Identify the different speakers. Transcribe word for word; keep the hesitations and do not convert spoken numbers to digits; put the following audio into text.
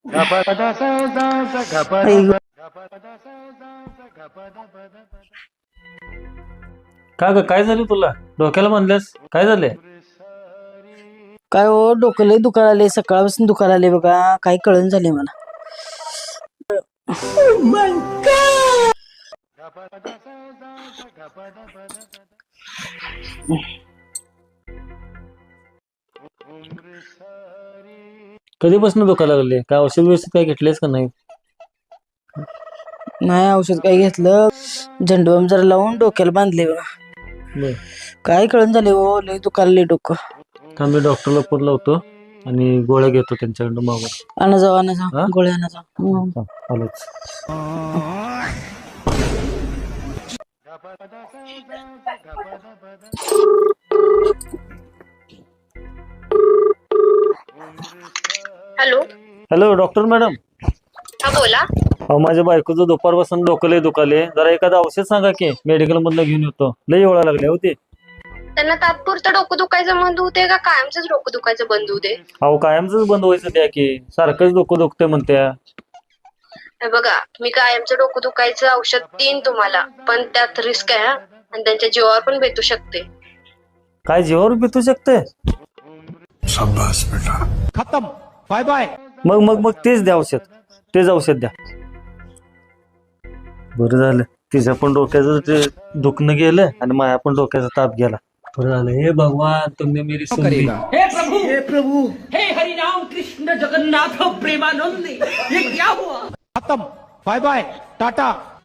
Speaker 1: का ग, काय झालं तुला? डोक्याला बांधल्यास? काय झालंय?
Speaker 2: काय हो, डोकं लय दुखायला आले, सकाळपासून दुखायला आले बघा. काही कळण झाले मला.
Speaker 1: कधीपासून दुखायला लागले? काय औषध व्यवस्थित काय घेतलेस का नाही?
Speaker 2: नाही औषध काही घेतलं. झंडूबाम जरा लावून डोक्याला बांधले बघा.
Speaker 1: बर,
Speaker 2: काय कळण झाले हो, लय दुखायला आले डोकं.
Speaker 1: थांब मी डॉक्टरला फोन लावतो आणि गोळ्या घेतो त्यांच्याकडून मागून.
Speaker 2: आणा जाऊ आणा जाऊ
Speaker 1: हा?
Speaker 2: गोळ्या आणा जाऊ. हं.
Speaker 1: हा, आलोच.
Speaker 3: हॅलो.
Speaker 1: Hello doctor madam.
Speaker 3: हा बोला.
Speaker 1: अहो माझ्या बायकोचं दुपारपासून डोकं लय दुखाले. जरा एखादं औषध सांगा की, मेडिकल मधनं घेऊन येतो. लय एवढा लागले होते.
Speaker 3: त्यांना तात्पुरतं डोकं दुखायचं बंद होते का कायमच डोकं दुखायचं बंद होते?
Speaker 1: अहो कायमच बंद व्हायचं द्या की, सारखंच डोकं दुखतंय म्हणत्या.
Speaker 3: हे बघा, मी कायमचं डोकं दुखायचं औषध देईन तुम्हाला, पण त्यात रिस्क आहे हा. आणि त्यांच्या जीवावर पण भेटू शकते.
Speaker 1: काय जीवावर बितू शकते?
Speaker 4: खत्म. Bye bye.
Speaker 1: मग मग मग तेच द्या औषध, तेच औषध द्या. बरं झालं, तिच्या पण डोक्याचं ते दुखणं गेलं आणि माझ्या पण डोक्याचा ताप गेला. बरं झालं. हे भगवान, तुमने मेरी सुन ली.
Speaker 5: हे प्रभु, हे प्रभु, हे हरिनाम कृष्ण जगन्नाथ प्रेमानंद, ये क्या हुआ?
Speaker 4: खत्म. Bye bye. टाटा.